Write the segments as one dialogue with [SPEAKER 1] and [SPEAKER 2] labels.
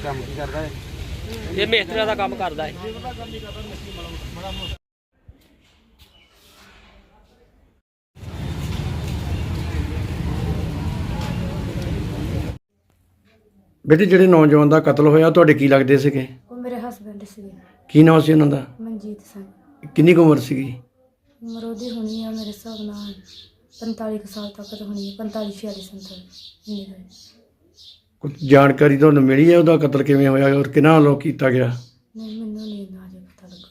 [SPEAKER 1] ਕੰਮ ਕੀ ਕਰਦਾ ਹੈ?
[SPEAKER 2] ਇਹ ਮਿਸਤਰੀਆਂ ਦਾ ਕੰਮ ਕਰਦਾ ਹੈ।
[SPEAKER 3] ਬੇਟੇ ਜਿਹੜੇ ਨੌਜਵਾਨ ਦਾ ਕਤਲ ਹੋਇਆ ਤੁਹਾਡੇ ਕੀ ਲੱਗਦੇ ਸੀਗੇ?
[SPEAKER 4] ਉਹ ਮੇਰੇ ਹਸਬੈਂਡ ਸੀਗੇ।
[SPEAKER 3] ਕੀ ਨਾਮ ਸੀ ਉਹਨਾਂ ਦਾ?
[SPEAKER 4] ਮਨਜੀਤ ਸਿੰਘ।
[SPEAKER 3] ਕਿੰਨੀ ਕੁ ਉਮਰ ਸੀਗੀ?
[SPEAKER 4] ਉਮਰ ਉਹਦੀ ਹੋਣੀ ਆ ਮੇਰੇ ਹਿਸਾਬ ਨਾਲ 45 ਕੁ ਸਾਲ ਤੱਕ ਤਾਂ ਹੋਣੀ ਹੈ, 45 46 ਇੰਨੀ ਕੁ ਹੈ।
[SPEAKER 3] ਕੁਝ ਜਾਣਕਾਰੀ ਤੁਹਾਨੂੰ ਮਿਲੀ ਹੈ ਉਹਦਾ ਕਤਲ ਕਿਵੇਂ ਹੋਇਆ ਔਰ ਕਿਹਨਾਂ ਵੱਲੋਂ ਕੀਤਾ ਗਿਆ?
[SPEAKER 4] ਨਹੀਂ, ਮੈਨੂੰ ਨਹੀਂ ਨਾ ਜੇ ਪਤਾ ਲੱਗਾ।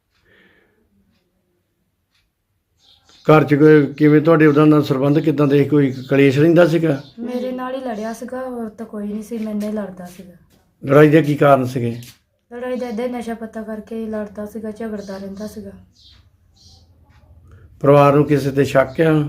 [SPEAKER 3] ਘਰ 'ਚ ਕਿਵੇਂ ਤੁਹਾਡੇ ਉਹਦਾ ਨਾਲ ਸੰਬੰਧ ਕਿੱਦਾਂ ਦੇ? ਕੋਈ ਕਲੇਸ਼ ਰਹਿੰਦਾ ਸੀਗਾ?
[SPEAKER 4] ਮੇਰੇ ਨਾਲ ਹੀ ਲੜਿਆ ਸੀਗਾ, ਹੋਰ ਤਾਂ ਕੋਈ ਨਹੀਂ ਸੀ, ਮੈਨੇ ਹੀ ਲੜਦਾ ਸੀਗਾ।
[SPEAKER 3] ਲੜਾਈ ਦੇ ਕੀ ਕਾਰਨ ਸੀਗੇ?
[SPEAKER 4] ਲੜਾਈ ਦਾ ਇੱਦਾਂ ਹੀ ਨਸ਼ਾ ਪੱਤਾ ਕਰਕੇ ਹੀ ਲੜਦਾ ਸੀਗਾ, ਝਗੜਦਾ ਰਹਿੰਦਾ ਸੀਗਾ।
[SPEAKER 3] ਪਰਿਵਾਰ ਨੂੰ ਕਿਸੇ ਤੇ ਸ਼ੱਕ ਆ?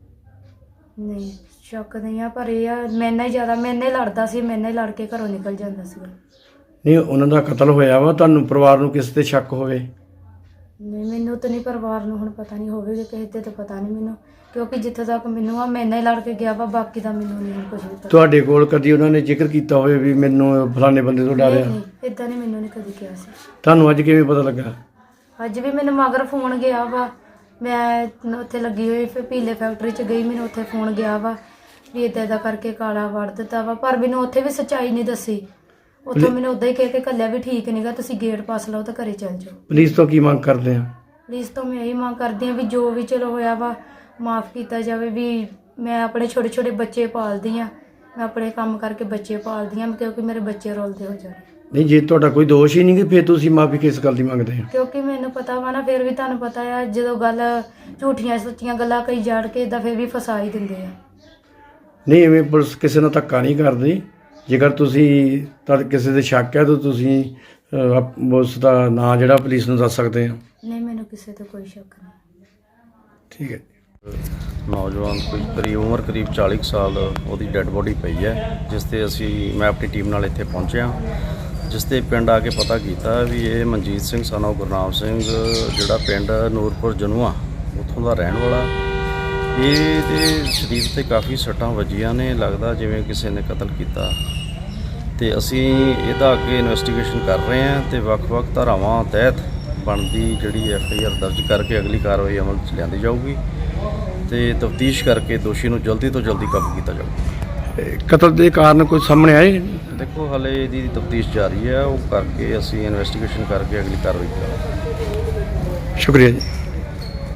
[SPEAKER 4] ਨਹੀਂ, ਸ਼ੱਕ ਨਹੀਂ ਆ, ਪਰ ਇਹ ਆ ਮੈਨੇ ਹੀ ਜ਼ਿਆਦਾ, ਮੈਨੇ ਹੀ ਲੜਦਾ ਸੀ, ਮੈਨੇ ਹੀ ਲੜ ਕੇ ਘਰੋਂ ਨਿਕਲ ਜਾਂਦਾ ਸੀਗਾ।
[SPEAKER 3] ਨਹੀਂ, ਉਹਨਾਂ ਦਾ ਕਤਲ ਹੋਇਆ ਵਾ, ਤੁਹਾਨੂੰ ਪਰਿਵਾਰ ਨੂੰ ਕਿਸੇ ਤੇ ਸ਼ੱਕ ਹੋਵੇ?
[SPEAKER 4] ਨਹੀਂ, ਮੈਨੂੰ ਤਾਂ ਨਹੀਂ, ਪਰਿਵਾਰ ਨੂੰ ਹੁਣ ਪਤਾ ਨਹੀਂ ਹੋਵੇਗਾ, ਕਿਸੇ ਤੇ ਤਾਂ ਪਤਾ ਨਹੀਂ ਮੈਨੂੰ, ਕਿਉਂਕਿ ਜਿੱਥੇ ਤੱਕ ਮੈਨੂੰ ਆ ਮੈਨੇ ਹੀ ਲੜ ਕੇ ਗਿਆ ਵਾ, ਬਾਕੀ ਦਾ ਮੈਨੂੰ ਨਹੀਂ ਕੁਝ ਵੀ ਪਤਾ।
[SPEAKER 3] ਤੁਹਾਡੇ ਕੋਲ ਕਦੀ ਉਹਨਾਂ ਨੇ ਜ਼ਿਕਰ ਕੀਤਾ ਹੋਵੇ ਵੀ ਮੈਨੂੰ ਫਲਾਣੇ ਬੰਦੇ ਤੋਂ ਡਰਿਆ?
[SPEAKER 4] ਨਹੀਂ, ਇਦਾਂ ਨਹੀਂ, ਮੈਨੂੰ ਨਹੀਂ ਕਦੀ ਕਿਹਾ ਸੀ।
[SPEAKER 3] ਤੁਹਾਨੂੰ ਅੱਜ ਕਿਵੇਂ ਪਤਾ ਲੱਗਾ?
[SPEAKER 4] ਅੱਜ ਵੀ ਮੈਨੂੰ ਮਗਰ ਫੋਨ ਗਿਆ ਵਾ, ਮੈਂ ਉੱਥੇ ਲੱਗੀ ਹੋਈ ਫਿਰ ਪੀਲੇ ਫੈਕਟਰੀ 'ਚ ਗਈ, ਮੈਨੂੰ ਉੱਥੇ ਫੋਨ ਗਿਆ ਵਾ ਵੀ ਇੱਦਾਂ ਕਰਕੇ ਕਾਲਾ ਵੜ ਦਿੱਤਾ ਵਾ, ਪਰ ਮੈਨੂੰ ਉੱਥੇ ਵੀ ਸੱਚਾਈ ਨਹੀਂ ਦੱਸੀ। ਉੱਥੋਂ ਮੈਨੂੰ ਉੱਦਾਂ ਹੀ ਕਹਿ ਕੇ ਘੱਲਿਆ ਵੀ ਠੀਕ ਨਹੀਂਗਾ, ਤੁਸੀਂ ਗੇਟ ਪਾਸ ਲਾਓ ਤਾਂ ਘਰੇ ਚੱਲ ਜਾਓ।
[SPEAKER 3] ਪੁਲਿਸ ਤੋਂ ਕੀ ਮੰਗ ਕਰਦੇ ਆ?
[SPEAKER 4] ਪੁਲਿਸ ਤੋਂ ਮੈਂ ਇਹੀ ਮੰਗ ਕਰਦੀ ਹਾਂ ਵੀ ਜੋ ਵੀ ਚਲੋ ਹੋਇਆ ਵਾ ਮਾफ़ ਕੀਤਾ ਜਾਵੇ। ਵੀ ਮੈਂ ਆਪਣੇ ਛੋਟੇ ਛੋਟੇ ਬੱਚੇ ਪਾਲਦੀ ਹਾਂ, ਮੈਂ ਆਪਣੇ ਕੰਮ ਕਰਕੇ ਬੱਚੇ ਪਾਲਦੀ ਹਾਂ, ਕਿਉਂਕਿ ਮੇਰੇ ਬੱਚੇ ਰੁਲਦੇ ਹੋ ਜਾਣ।
[SPEAKER 3] ਨਹੀਂ, ਜੇ ਤੁਹਾਡਾ ਕੋਈ ਦੋਸ਼ ਹੀ ਨਹੀਂ ਕਿ ਫਿਰ ਤੁਸੀਂ ਮਾਫੀ ਕਿਸ ਗੱਲ ਦੀ ਮੰਗਦੇ ਆ?
[SPEAKER 4] ਕਿਉਂਕਿ ਮੈਨੂੰ ਪਤਾ ਵਾ ਨਾ, ਫਿਰ ਵੀ ਤੁਹਾਨੂੰ ਪਤਾ ਆ ਜਦੋਂ ਗੱਲ ਝੂਠੀਆਂ ਸੱਚੀਆਂ ਗੱਲਾਂ ਕਈ ਜਾਣ ਕੇ ਇੱਦਾਂ ਫਿਰ ਵੀ ਫਸਾ ਹੀ ਦਿੰਦੇ ਆ।
[SPEAKER 3] ਨਹੀਂ, ਐਵੇਂ ਪੁਲਿਸ ਕਿਸੇ ਨਾਲ ਧੱਕਾ ਨਹੀਂ ਕਰਦੀ। ਜੇਕਰ ਤੁਸੀਂ ਕਿਸੇ ਦੇ ਸ਼ੱਕ ਹੈ ਤਾਂ ਤੁਸੀਂ ਉਸ ਦਾ ਨਾਂ ਜਿਹੜਾ ਪੁਲਿਸ ਨੂੰ ਦੱਸ ਸਕਦੇ ਆ।
[SPEAKER 4] ਨਹੀਂ, ਮੈਨੂੰ ਕਿਸੇ ਤੇ ਕੋਈ ਸ਼ੱਕ ਨਹੀਂ।
[SPEAKER 3] ਠੀਕ ਹੈ।
[SPEAKER 5] ਨੌਜਵਾਨ ਕੋਈ ਉਮਰ ਕਰੀਬ 40 ਸਾਲ ਉਹਦੀ ਡੈੱਡ ਬੋਡੀ ਪਈ ਹੈ, ਜਿਸ 'ਤੇ ਮੈਂ ਆਪਣੀ ਟੀਮ ਨਾਲ ਇੱਥੇ ਪਹੁੰਚਿਆ, ਜਿਸ 'ਤੇ ਪਿੰਡ ਆ ਕੇ ਪਤਾ ਕੀਤਾ ਵੀ ਇਹ ਮਨਜੀਤ ਸਿੰਘ son of ਗੁਰਨਾਮ ਸਿੰਘ, ਜਿਹੜਾ ਪਿੰਡ ਨੂਰਪੁਰ ਜਨੂਆ ਉੱਥੋਂ ਦਾ ਰਹਿਣ ਵਾਲਾ। ਇਹਦੇ ਸਰੀਰ 'ਤੇ ਕਾਫੀ ਸੱਟਾਂ ਵੱਜੀਆਂ ਨੇ, ਲੱਗਦਾ ਜਿਵੇਂ ਕਿਸੇ ਨੇ ਕਤਲ ਕੀਤਾ। ਤੇ ਅਸੀਂ ਇਹਦਾ ਅੱਗੇ ਇਨਵੈਸਟੀਗੇਸ਼ਨ ਕਰ ਰਹੇ ਹਾਂ ਤੇ ਵੱਖ-ਵੱਖ ਧਾਰਾਵਾਂ ਤਹਿਤ ਬਣਦੀ ਜਿਹੜੀ FIR ਦਰਜ ਕਰਕੇ ਅਗਲੀ ਕਾਰਵਾਈ ਅਮਲ 'ਚ ਲਿਆਂਦੀ ਜਾਊਗੀ ਤੇ ਤਫਤੀਸ਼ ਕਰਕੇ ਦੋਸ਼ੀ ਨੂੰ ਜਲਦੀ ਤੋਂ ਜਲਦੀ ਕਾਬੂ ਕੀਤਾ ਜਾਊਗਾ।
[SPEAKER 3] ਕਤਲ ਦੇ ਕਾਰਨ ਕੋਈ ਸਾਹਮਣੇ ਆਏ?
[SPEAKER 5] ਦੇਖੋ, ਹਾਲੇ ਇਹਦੀ ਤਫਤੀਸ਼ ਜਾਰੀ ਹੈ, ਉਹ ਕਰਕੇ ਅਸੀਂ ਇਨਵੈਸਟੀਗੇਸ਼ਨ ਕਰਕੇ ਅਗਲੀ ਕਾਰਵਾਈ ਕਰਾਂਗੇ।
[SPEAKER 3] ਸ਼ੁਕਰੀਆ ਜੀ।